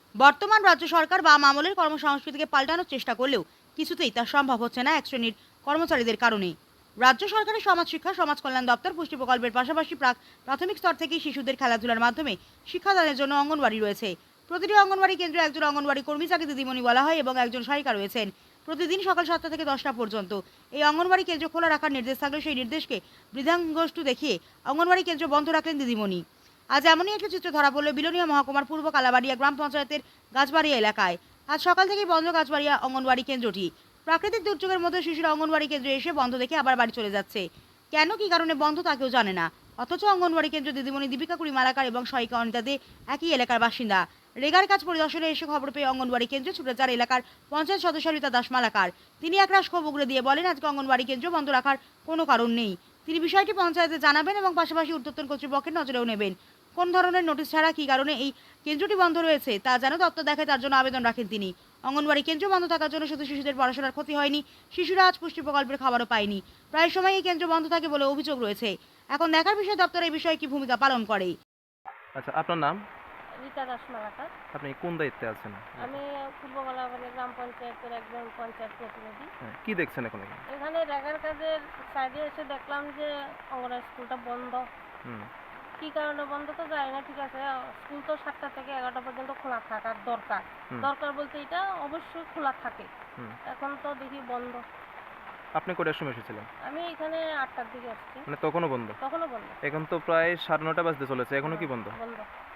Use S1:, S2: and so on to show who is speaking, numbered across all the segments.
S1: বর্তমান রাজ্য সরকার বাম আমলের কর্মসংস্কৃতিকে পাল্টানোর চেষ্টা করলেও কিছুতেই তা সম্ভব হচ্ছে না এক শ্রেণীর কর্মচারীদের কারণে। রাজ্য সরকারের সমাজ শিক্ষা সমাজ কল্যাণ দপ্তর পুষ্টি প্রকল্পের পাশাপাশি প্রাথমিক স্তর থেকেই শিশুদের খেলাধুলার মাধ্যমে শিক্ষাদানের জন্য অঙ্গনওয়াড়ি রয়েছে। প্রতিটি অঙ্গনওয়াড়ি কেন্দ্রে একজন অঙ্গনওয়াড়ি কর্মী, যাকে দিদিমণি বলা হয়, এবং একজন সহায়িকা রয়েছেন। প্রতিদিন সকাল 7টা থেকে 10টা পর্যন্ত এই অঙ্গনওয়াড়ি কেন্দ্র খোলা রাখার নির্দেশ থাকলেও সেই নির্দেশকে বৃদ্ধাঙ্গুষ্ঠ দেখিয়ে অঙ্গনওয়াড়ি কেন্দ্র বন্ধ রাখলেন দিদিমণি। আজ এমনই একটি চিত্র ধরা পড়ল বিলোনিয়া মহকুমার পূর্ব কালাবাড়িয়া গ্রাম পঞ্চায়েতের গাছবাড়িয়া এলাকায়। আজ সকাল থেকেই বন্ধ গাছবাড়িয়া অঙ্গনওয়াড়ি কেন্দ্রটি। প্রাকৃতিক দুর্যোগের মধ্যে শিশুরা অঙ্গনওয়াড়ি কেন্দ্রে এসে বন্ধ দেখে আবার বাড়ি চলে যাচ্ছে। কেন, কি কারণে বন্ধ তা কেউ জানে না। অথচ অঙ্গনওয়াড়ি কেন্দ্র দিদিমণি দীপিকা কুড়ি মালাকার এবং সহায়িকা অনিতা দে একই এলাকার বাসিন্দা। রেগার কাজ পরিদর্শনে এসে খবর পেয়ে অঙ্গনওয়াড়ি কেন্দ্রে ছুটে যান এলাকার পঞ্চায়েত সদস্য রীতা দাস মালাকার। তিনি একরাশ ক্ষোভ উগরে দিয়ে বলেন, আজকে অঙ্গনওয়াড়ি কেন্দ্র বন্ধ রাখার কোনো কারণ নেই। তিনি বিষয়টি পঞ্চায়েতে জানাবেন এবং পাশাপাশি ঊর্ধ্বতন কর্তৃপক্ষের নজরেও নেবেন। কোন ধরনের নোটিশ ছাড়া কী কারণে এই কেন্দ্রটি বন্ধ রয়েছে তা যেন দপ্তর দেখায়, তার জন্য আবেদন রাখেন তিনি। অঙ্গনওয়াড়ি কেন্দ্র বন্ধ থাকার জন্য শুধু শিশুদের পড়াশোনার ক্ষতি হয়নি, শিশুরা আজ পুষ্টি প্রকল্পের খাবারও পায়নি। প্রায় সময় এই কেন্দ্র বন্ধ থাকে বলে অভিযোগ রয়েছে। এখন দেখার বিষয় দপ্তর এই বিষয়ে কি ভূমিকা পালন করে।
S2: আচ্ছা, আপনার নাম?
S3: রীতা দাস মালাকার।
S2: আপনি কোন দায়িত্বে আছেন?
S3: আমি পূর্ব কলাবাড়ি গ্রাম পঞ্চায়েতের একজন পঞ্চায়েত প্রতিনিধি।
S2: হ্যাঁ, কি দেখছেন এখন এখানে?
S3: এখানে রেগার কাজের সাইডে এসে দেখলাম যে অঙ্গনওয়াড়ি স্কুলটা বন্ধ।
S2: হুম।
S3: কী কারণে বন্ধ তো জানি না, ঠিক আছে। স্কুল তো 7টা থেকে 11টা পর্যন্ত খোলা থাকার দরকার।
S2: হুম।
S3: দরকার বলতে এটা অবশ্যই খোলা থাকে।
S2: হুম।
S3: এখন তো দেখি বন্ধ।
S2: আপনি কটার সময় এসেছিলেন?
S3: আমি এখানে 8টার দিকে আসছি।
S2: মানে তখনও বন্ধ?
S3: তখনও বন্ধ।
S2: এখন তো প্রায় 9:30 বাজতে চলেছে, এখনো কি বন্ধ?
S3: বন্ধ।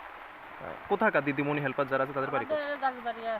S2: কোথাকার দিদিমণি হেল্পার যারা আছে তাদের বাড়ি কোথায়?
S3: আমাদের গাছবাড়িয়া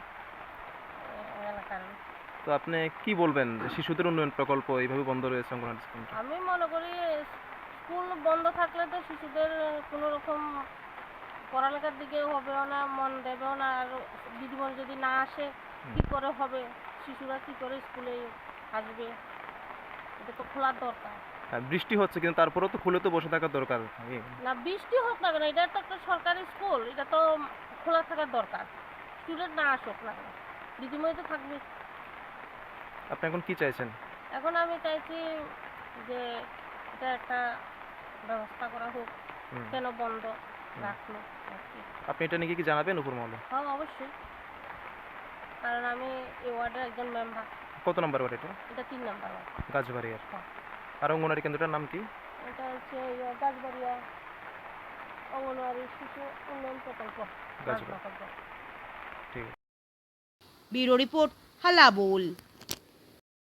S3: এলাকার।
S2: তো আপনি কি বলবেন যে শিশুদের উন্নয়ন প্রকল্প এইভাবে বন্ধ রয়েছে অঙ্গনওয়াড়ি স্কুলটা?
S3: আমি মনে করি স্কুল বন্ধ থাকলে তো শিশুদের কোনো রকম পড়ালেখার দিকে হবেও না, মন দেবেও না। আর দিদিমণি যদি না আসে কি করে হবে, শিশুরা কি করে স্কুলে আসবে? এটা তো খোলার দরকার।
S2: হ্যাঁ, বৃষ্টি হচ্ছে কিন্তু তারপরেও তো খুলে তো বসে থাকার দরকার।
S3: না, বৃষ্টি হোক না কেন, এটা তো একটা সরকারি স্কুল, এটা তো খোলা থাকার দরকার। স্টুডেন্ট না আসুক না কেন, দিদিমণি তো থাকবে।
S2: আপনি এখন কি চাইছেন?
S3: এখন আমি চাইছি যে এটা একটা ব্যবস্থা করা হোক,
S2: হুম।
S3: কেন বন্ধ রাখলো আর কি।
S2: আপনি এটা নিয়ে কি জানাবেন উপর মহলে?
S3: হ্যাঁ, অবশ্যই, কারণ আমি এই ওয়ার্ডের একজন মেম্বার।
S2: কত নম্বর ওয়ার্ড এটা?
S3: এটা 3 নাম্বার ওয়ার্ড।
S2: গাছবাড়িয়ার।
S3: হ্যাঁ।
S2: আর অঙ্গনওয়াড়ি কেন্দ্রটার নাম কি?
S3: এটা হচ্ছে গাছবাড়িয়া অঙ্গনওয়াড়ি শিশু উন্নয়ন প্রকল্প।
S2: গাছবাড়ি। ঠিক আছে।
S1: ব্যুরো রিপোর্ট, হালা বোল।